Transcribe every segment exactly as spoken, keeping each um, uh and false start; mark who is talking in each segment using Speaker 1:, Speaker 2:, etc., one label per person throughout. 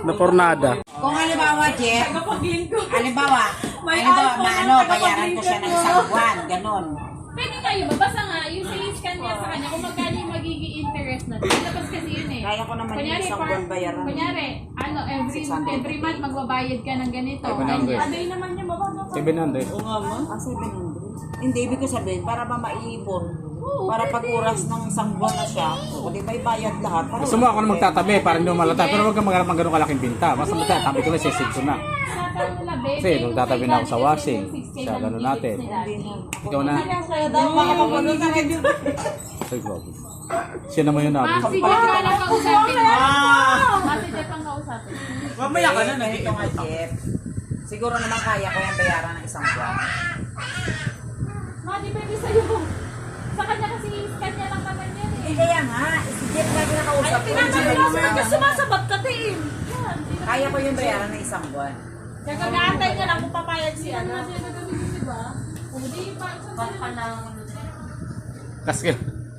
Speaker 1: Na pornada.
Speaker 2: Kung halimbawa, Jeff, halimbawa, halimbawa, maano, bayaran ko siya ng isang buwan, ganun.
Speaker 3: Pwede kayo ba? Basta nga, yung siniscan niya sa kanya, kung magkano yung magiging interest na. Labas kasi yun eh.
Speaker 2: Kaya ko naman yung
Speaker 3: Kunyari,
Speaker 2: isang
Speaker 3: for-
Speaker 2: buwan bayaran.
Speaker 3: Kunyari, ano, every every month magbabayad ka ng ganito.
Speaker 1: seven hundred.
Speaker 3: Ano yun naman yung bababa pa?
Speaker 1: seven hundred.
Speaker 2: Ah, seven hundred. Hindi, ibig ko sabihin, para ba maiipon? Para pag oras ng isang buwan na siya, o di ba ibayad lahat? Para
Speaker 1: Gusto mo ako na magtatabi para hindi mo malata. Pero huwag kang maghanap ng ganun kalaking binta. Basta magtatabi ko na siya ko na. Kasi nung tatabi na ako sa washing, sa ganun natin. Ikaw na. Ay, grabe. Siya naman yun nabi.
Speaker 3: Mas siguro ka lang kausapin mo. Mas siguro kang kausapin.
Speaker 2: mamaya ka na, nandito nga, Jeff. Siguro naman kaya ko yung bayaran ng isang buwan.
Speaker 3: Ma, di pwede sa'yo. Sa kanya kasi scan niya lang naman yan eh.
Speaker 2: Eh, kaya nga, si Jeff lagi nakausap ko.
Speaker 3: sumasabat ka din.
Speaker 2: Kaya ko yung bayaran ng isang buwan.
Speaker 3: Nagkakaantay niya lang kung papayag siya. Ano na siya nagagawin, di ba? O di pa. Baka lang.
Speaker 1: Kasi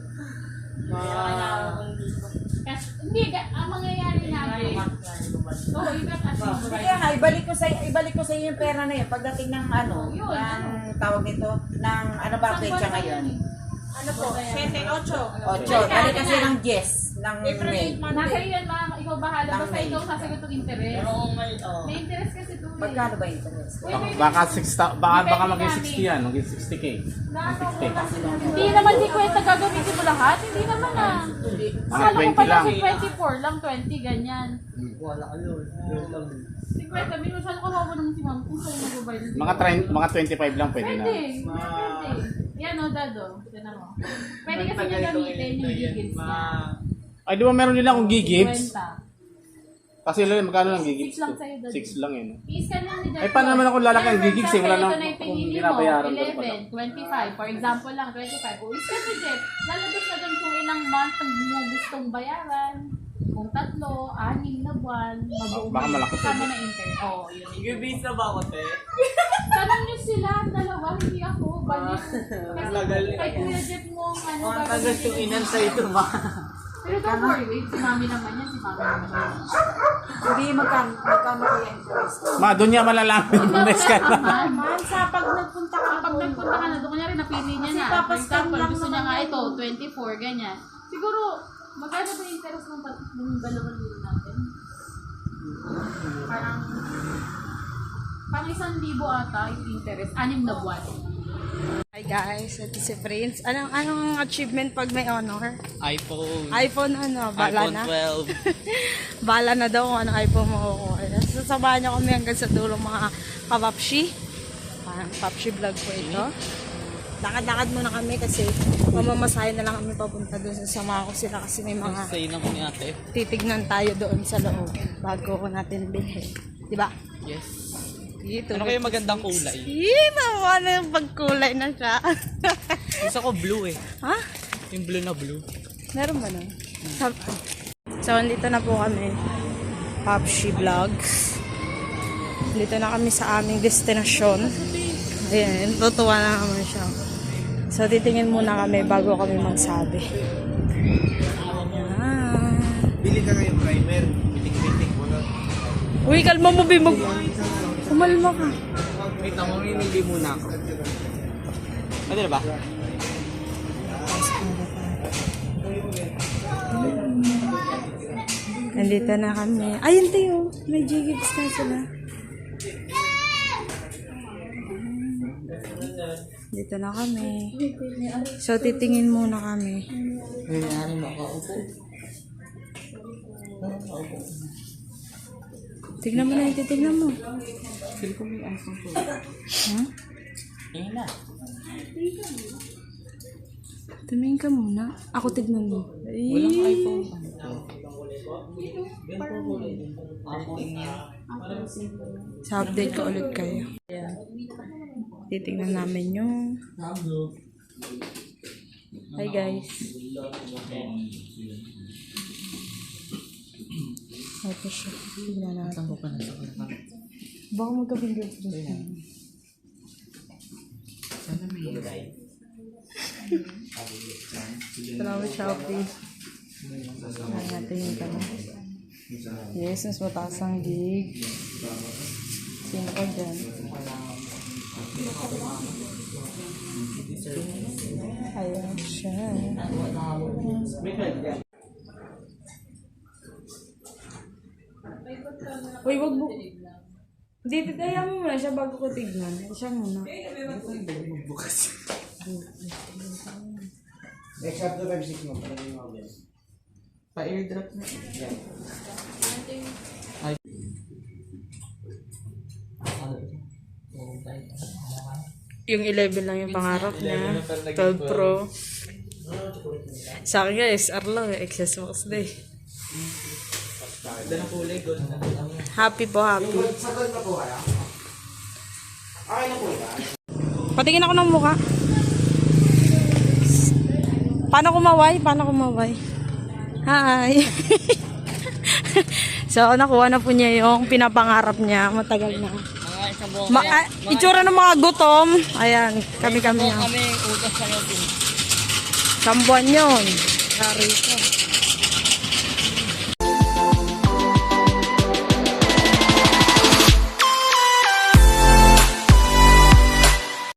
Speaker 3: Kasi, hindi, ka- ang mangyayari namin. Oo, iba kasi.
Speaker 2: Kaya nga, ibalik ko sa ibalik ko sa iyo yung pera na yun pagdating ng ano,
Speaker 3: Yun,
Speaker 2: ng tawag nito, ng ano ba pecha ngayon?
Speaker 3: Ano po? seven, eight.
Speaker 2: Ocho, dali kasi ng yes, ng May.
Speaker 3: Nasa iyo yan, ma. Ikaw bahala. Basta
Speaker 2: May.
Speaker 3: ikaw sasagot ng interest. May interest kasi ito. eh.
Speaker 2: Magkano ba interest?
Speaker 3: Uy, may-
Speaker 1: baka six baka baka maging sixty yan, maging sixty K.
Speaker 3: Hindi naman di kwenta gagamitin mo lahat. Hindi naman ah. Akala ko
Speaker 1: twenty
Speaker 3: pala
Speaker 1: lang.
Speaker 3: si twenty-four lang, twenty, ganyan. Si kwenta, minusal ko ako naman si ma'am kung saan mag-mobile.
Speaker 1: Mga trend, mga twenty-five lang pwede na.
Speaker 3: Pwede, pwede. Yan o, dado. Yan mo. Pwede kasi niya gamitin yung gigits niya.
Speaker 1: Ay, di ba meron nila akong gigibs?
Speaker 3: Kwenta.
Speaker 1: Kasi lang, magkano lang gigibs?
Speaker 3: Six lang sa'yo, Dad.
Speaker 1: Six lang yun.
Speaker 3: I-scan lang ni Dad.
Speaker 1: Ay, paano naman ako lalaki ang gigits eh? Wala nang
Speaker 3: Ito na yung
Speaker 1: kung
Speaker 3: pinili mo.
Speaker 1: binabayaran ko pa
Speaker 3: eleven, twenty-five. For example lang, twenty-five. O, i-scan ni Jeff. Lalabas na doon kung ilang month ang mo gustong bayaran. Kung tatlo, anim na buwan, mabuong.
Speaker 1: Baka malaki pa
Speaker 3: Kasama
Speaker 1: yun.
Speaker 3: na interest. Oo, yun.
Speaker 4: Nag-base na ba ako, te?
Speaker 3: Tanong niyo sila, ang dalawa, hindi ako. Balik. Kasi kay Kuya Jeff mo, ang ano,
Speaker 4: Ang tagas yung inan sa ito, ma.
Speaker 3: Pero don't worry, wait, si mami naman yan, si mami naman yan.
Speaker 2: Hindi magkano magkano kaya interest?
Speaker 1: Ma, doon niya malalaman yung next ka na.
Speaker 3: Man, sa pag nagpunta ka, pag nagpunta ka na doon, kunyari napili niya na. For example, gusto niya nga ito, twenty-four, ganyan. Siguro, magkano ba yung interest ng, tat- ng dalawang libo natin? Parang, parang isang libo ata yung interest, anim na buwan.
Speaker 5: Hi guys, ito si Prince. Anong anong achievement pag may honor?
Speaker 4: iPhone.
Speaker 5: iPhone ano, bala
Speaker 4: iPhone
Speaker 5: na.
Speaker 4: twelve.
Speaker 5: Bala na daw kung anong iPhone makukuha. Sasabahan niyo kami hanggang sa dulo mga kapapshi. Parang papshi vlog po ito. Lakad-lakad muna kami kasi mamamasahe na lang kami papunta doon. Sasama ko sila kasi may mga
Speaker 4: Say na mo ni ate.
Speaker 5: titignan tayo doon sa loob bago natin bilhin. Diba?
Speaker 4: Yes.
Speaker 5: Dito.
Speaker 4: Ano kayo magandang kulay?
Speaker 5: Yee, naman na yung pagkulay na siya.
Speaker 4: Gusto ko blue eh.
Speaker 5: Ha?
Speaker 4: Yung blue na blue.
Speaker 5: Meron ba nun? Sa- So, andito na po kami. Popshi Vlogs. Dito na kami sa aming destinasyon. Ayan, tutuwa na naman siya. So, titingin muna kami bago kami magsabi. Ayan.
Speaker 4: Bili ka ngayon primer. Pitik-pitik mo na.
Speaker 5: Uy, kalma mo, Bimog. Kumalma ka.
Speaker 4: Wait na, mamimili muna ako. Pwede na ba?
Speaker 5: Nandito na kami. Ayun tayo. May J-Gigs na sila. Dito na kami. So, titingin muna kami.
Speaker 4: Nangyari mo ako.
Speaker 5: Tignan mo na yung titignan mo.
Speaker 4: Feel ko may iPhone ko.
Speaker 5: Huh?
Speaker 4: Tingin na.
Speaker 5: Tumingin ka muna. Ako tignan mo.
Speaker 4: Walang
Speaker 5: Ay.
Speaker 4: iPhone.
Speaker 5: Sa update ko ulit kayo. Ayan. Titignan namin yung... Hi guys. Ito siya. Tignan natin.
Speaker 4: Saan ko pa nasa ka?
Speaker 5: Baka magka-fingers crossed na.
Speaker 4: Sana may ilay.
Speaker 5: Salamat Shopee. Ayan natin yung tanong. Yes, mas mataas ang gig. Sino ka dyan? Ayan siya. Uy, wag mo. Hindi, kaya mo muna siya bago ko tignan. Siya muna.
Speaker 4: Pa-airdrop na.
Speaker 5: Yung eleven lang yung pangarap niya. twelve Pro. Sa akin nga, S R lang. X S Max Day.
Speaker 4: Ganda ng kulay, gold na.
Speaker 5: Happy po, happy. Patingin ako ng mukha. Paano kumaway? Paano kumaway? Hi! So, nakuha na po niya yung pinapangarap niya. Matagal na. Ma ah, itsura ng mga gutom. Ayan, kami-kami na.
Speaker 4: Kami, ugas sa yotin.
Speaker 5: Sambuan yun. Sorry ko.